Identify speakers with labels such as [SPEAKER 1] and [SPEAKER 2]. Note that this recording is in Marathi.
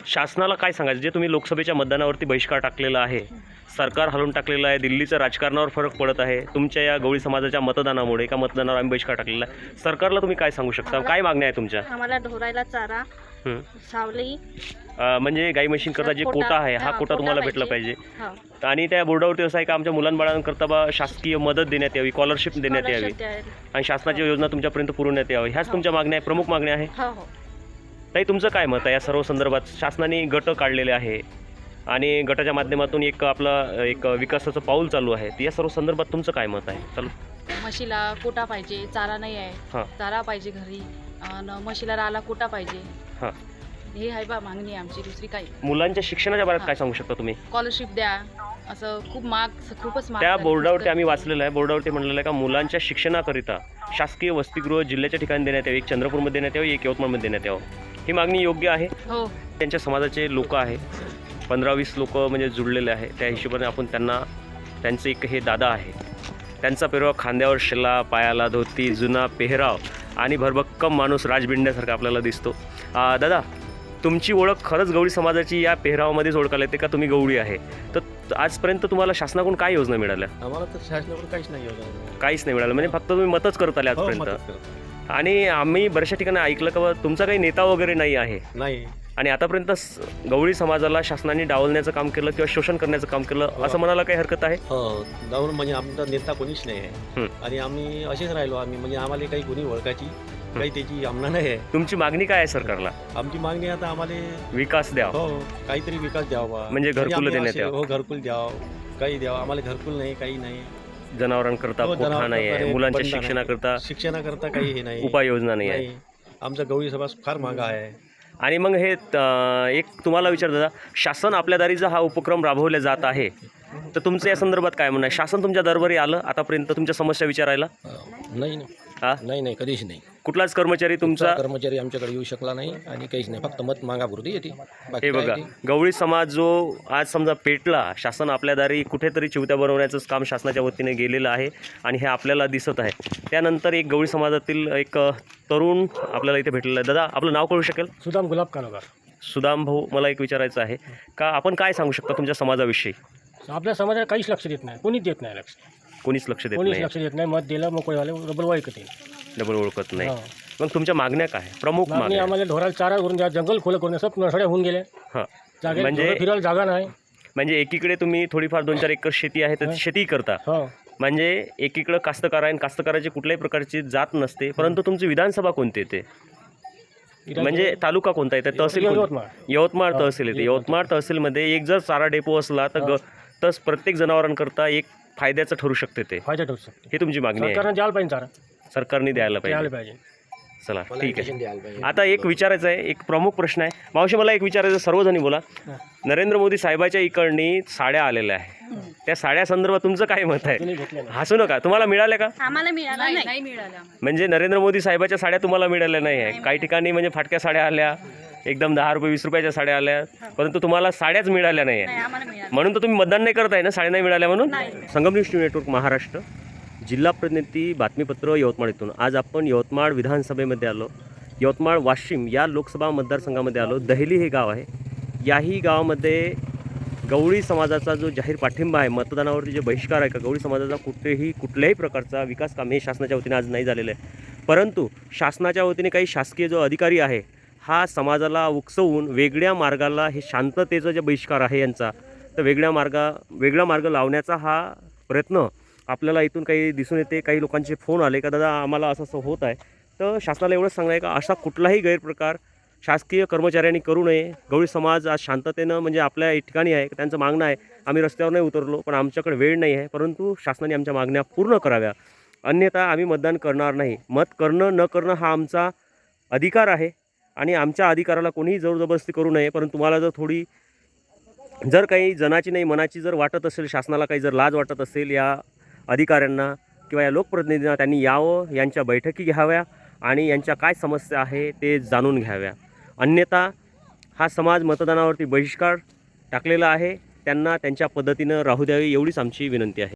[SPEAKER 1] शासनाला काय सांगायचं जे तुम्ही लोकसभेच्या मतदानावरती बहिष्कार टाकलेला आहे, सरकार हलवून टाकलेलं आहे, दिल्लीचं राजकारणावर फरक पडत आहे तुमच्या या गवळी समाजाच्या मतदानामुळे, एका मतदानावर आम्ही बहिष्कार टाकलेला आहे, सरकारला तुम्ही काय सांगू शकता? काय मागण्या आहे तुमच्या?
[SPEAKER 2] आम्हाला ढोरायला चारा, सावली,
[SPEAKER 1] म्हणजे गाई म्हशींकरता जे कोटा आहे हा कोटा तुम्हाला भेटला पाहिजे.
[SPEAKER 2] हो.
[SPEAKER 1] आणि त्या बोर्डावरती असं आहे का आमच्या मुलांबाळांकरता बा शासकीय मदत देण्यात यावी, स्कॉलरशिप देण्यात यावी आणि शासनाच्या योजना तुमच्यापर्यंत पुरवण्यात यावी, ह्याच तुमच्या मागण्या आहे, प्रमुख मागण्या आहे.
[SPEAKER 2] हो हो.
[SPEAKER 1] ताई तुमचं काय मत आहे या सर्व संदर्भात? शासनाने गट काढलेले आहे आणि गटाच्या माध्यमातून एक विकासाचं पाऊल चालू आहे, या सर्व संदर्भात तुमचं काय मत आहे? चालू
[SPEAKER 3] म्हशीला कोटा पाहिजे, चारा नाही आहे.
[SPEAKER 1] हां
[SPEAKER 3] चारा पाहिजे घरी आणि म्हशीला राहायला कोटा पाहिजे.
[SPEAKER 1] हां.
[SPEAKER 3] हे आहे बा मागणी आहे आमची, दुसरी काही.
[SPEAKER 1] मुलांच्या शिक्षणाच्या बाबतीत काय सांगू शकता तुम्ही?
[SPEAKER 3] स्कॉलरशिप द्या, असं खूपच महाग
[SPEAKER 1] त्या
[SPEAKER 3] झाली.
[SPEAKER 1] बोर्डावरती आम्ही वाचलेलं आहे, बोर्डावरती म्हणलेलं आहे का मुलांच्या शिक्षणाकरिता शासकीय वसतिगृह जिल्ह्याच्या ठिकाणी देण्यात यावी, एक चंद्रपूरमध्ये देण्यात यावी, एक यवतमाळमध्ये देण्यात यावं. ही मागणी योग्य आहे?
[SPEAKER 3] हो.
[SPEAKER 1] त्यांच्या समाजाचे लोक आहे, 15-20 लोक म्हणजे जुळलेले आहे, त्या हिशोबाने आपण त्यांचं एक हे दादा आहे, त्यांचा पेहराव खांद्यावर शेला, पायाला धोती, जुना पेहराव आणि भरभक्कम माणूस राजबिंड्यासारखा आपल्याला दिसतो. दादा तुमची ओळख खरंच गवळी समाजाची या पेहरावामध्येच ओळखायला येते का तुम्ही गवळी आहे? तर आजपर्यंत तुम्हाला शासनाकडून काय योजना मिळाल्या?
[SPEAKER 4] आम्हाला तर शासनाकडून काहीच नाही
[SPEAKER 1] काहीच नाही मिळालं, म्हणजे फक्त तुम्ही मतच करत आले आजपर्यंत. आणि आम्ही बऱ्याचशा ठिकाणी ऐकलं का तुमचा काही नेता वगैरे नाही आहे
[SPEAKER 4] नाही,
[SPEAKER 1] आणि आतापर्यंत गवळी समाजाला शासनाने डावलण्याचं काम केलं किंवा शोषण करण्याचं काम केलं असं म्हणायला काही हरकत आहे?
[SPEAKER 4] हो, जाऊन म्हणजे आमचा नेता कोणीच नाही आहे आणि आम्ही असेच राहिलो. आम्ही म्हणजे आम्हाला काही कोणी ओळखायची काही त्याची आम्हाला नाही आहे.
[SPEAKER 1] तुमची मागणी काय आहे सरकारला?
[SPEAKER 4] आमची मागणी आता आम्हाला
[SPEAKER 1] विकास द्या,
[SPEAKER 4] हो काहीतरी विकास द्यावा,
[SPEAKER 1] म्हणजे घरकुल देण्यात यावं.
[SPEAKER 4] हो घरकुल द्यावं, काही द्यावं. आम्हाला घरकुल नाही, काही नाही.
[SPEAKER 1] जनावरांकरता कोठा नाही आहे, मुलांच्या शिक्षणाकरता
[SPEAKER 4] काही हे नाही,
[SPEAKER 1] उपाययोजना नाही आहे.
[SPEAKER 4] आमचा गवळी समाज फार मागा आहे.
[SPEAKER 1] आणि मग हे एक तुम्हाला विचार दादा, शासन आपल्या दारीचा हा उपक्रम राबवला जात आहे, तर तुमचं या संदर्भात काय म्हणणं आहे? शासन तुमच्या दरबारी आलं आतापर्यंत तुमच्या समस्या विचारायला?
[SPEAKER 5] नाही नाही, कधीच नाही.
[SPEAKER 1] कुठलाच कर्मचारी तुमचा
[SPEAKER 5] कर्मचारी आमच्याकडे येऊ शकला नाही आणि काहीच नाही, फक्त मत मागापुरती येते.
[SPEAKER 1] हे बघा, गवळी समाज जो आज समजा पेटला, शासन आपल्या दारी कुठेतरी चिवत्या बनवण्याचंच काम शासनाच्या वतीने गेलेलं आहे आणि हे आपल्याला दिसत आहे. त्यानंतर एक गवळी समाजातील एक तरुण आपल्याला इथे भेटलेला आहे. दादा आपलं नाव कळू शकेल?
[SPEAKER 6] सुदाम गुलाब कानोकर.
[SPEAKER 1] सुदाम भाऊ, मला एक विचारायचं आहे का आपण काय सांगू शकता तुमच्या समाजाविषयी?
[SPEAKER 6] आपल्या समाजाला काहीच लक्ष देत नाही, कोणीच देत नाही लक्ष,
[SPEAKER 1] कोणीच लक्ष देत
[SPEAKER 6] कोणीच
[SPEAKER 1] नाही,
[SPEAKER 6] लक्ष देत नाही. मत दिलं मोकळेवाले डबल ओळखत
[SPEAKER 1] डबल ओळखत नाही.
[SPEAKER 6] हो.
[SPEAKER 1] मग तुमच्या मागण्या काय? प्रमुख मागण्या?
[SPEAKER 6] आम्हाला ढोराला चारा करून द्या, जंगल खोलं करून द्या. सब नसड्या होऊन गेल्या,
[SPEAKER 1] हां,
[SPEAKER 6] जागे
[SPEAKER 1] म्हणजे
[SPEAKER 6] फिरायला जागा नाही.
[SPEAKER 1] म्हणजे एकीकडे तुम्ही थोडीफार 2-4 एकर शेती आहे तर शेती करता,
[SPEAKER 6] हो
[SPEAKER 1] म्हणजे एकीकडे कास्तकार आहे, कास्तकाराची कुठल्याही प्रकारची जात नसते, परंतु तुमची विधानसभा कोणती येते? म्हणजे तालुका कोणता येते? तहसील यवतमाळ तहसील येते. यवतमाळ तहसीलमध्ये एक जर चारा डेपो असला तर प्रत्येक जनावरांकरता एक फायद्याचं ठरू शकते ते.
[SPEAKER 6] फायदा ठरू शकतो.
[SPEAKER 1] ही तुमची मागणी आहे?
[SPEAKER 6] सरकारने द्यायला पाहिजे चारा,
[SPEAKER 1] सरकारने द्यायला
[SPEAKER 6] द्यायला
[SPEAKER 1] पाहिजे.
[SPEAKER 6] पाहिजे.
[SPEAKER 1] चला ठीक आहे. आता एक विचारायचं आहे, एक प्रमुख प्रश्न आहे मावशी, मला एक विचारायचं, सर्वजणी बोला. नरेंद्र मोदी साहेबाच्या इकडनी साड्या आलेल्या आहे, त्या साड्या संदर्भात तुमचं काय मत आहे? हसू नका. तुम्हाला मिळाल्या का?
[SPEAKER 2] आम्हाला मिळाला
[SPEAKER 3] नाही मिळाला.
[SPEAKER 1] म्हणजे नरेंद्र मोदी साहेबाच्या साड्या तुम्हाला मिळाल्या नाही आहे? काही ठिकाणी म्हणजे फाटक्या साड्या आल्या, एकदम 10 रुपये 20 रुपयाच्या साड्या आल्या, परंतु तुम्हाला साड्याच मिळाल्या नाही आहे.
[SPEAKER 2] आम्हाला मिळाला.
[SPEAKER 1] म्हणून तर तुम्ही मतदान नाही करत आहे ना, साड्या नाही मिळाल्या म्हणून. संगम न्यूज नेटवर्क महाराष्ट्र, जिल्हा प्रतिनिधी बातमीपत्र यवतमाळ इथून. आज आपण यवतमाळ विधानसभेमध्ये आलो, यवतमाळ वाशिम या लोकसभा मतदारसंघामध्ये आलो. दहेली हे गाव आहे. याही गावामध्ये गवळी समाजाचा जो जाहीर पाठिंबा आहे, मतदानावरती जे बहिष्कार आहे का, गवळी समाजाचा कुठल्याही प्रकारचा विकास काम हे शासनाच्या वतीने आज नाही झालेलं आहे. परंतु शासनाच्या वतीने काही शासकीय जो अधिकारी आहे हा समाजाला उकसवून वेगळ्या मार्गाला, हे शांततेचा जे बहिष्कार आहे यांचा, तर वेगळा मार्ग लावण्याचा हा प्रयत्न आपल्याला इथून काही दिसून येते. काही लोकांचे फोन आले का दादा आम्हाला असं होत आहे, तर शासनाला एवढंच सांगणं आहे का असा कुठलाही गैरप्रकार शासकीय कर्मचाऱ्यांनी करू नये. गवळी समाज आज शांततेनं म्हणजे आपल्या ठिकाणी आहे, त्यांचं मागणं आहे. आम्ही रस्त्यावर नाही उतरलो, पण आमच्याकडे वेळ नाही आहे, परंतु शासनाने आमच्या मागण्या पूर्ण कराव्या, अन्यथा आम्ही मतदान करणार नाही. मत करणं न करणं हा आमचा अधिकार आहे आणि आमच्या अधिकाराला कोणीही जबरदस्ती करू नये. परंतु तुम्हाला जर काही जनाची नाही मनाची जर वाटत असेल, शासनाला काही जर लाज वाटत असेल, या अधिकाऱ्यांना किंवा या लोकप्रतिनिधींना त्यांनी यावं, यांच्या बैठकी घ्याव्या आणि यांच्या काय समस्या आहे ते जाणून घ्याव्या. अन्यथा हा समाज मतदानावरती बहिष्कार टाकलेला आहे, त्यांना त्यांच्या पद्धतीनं राहू द्यावी, एवढीच आमची विनंती आहे.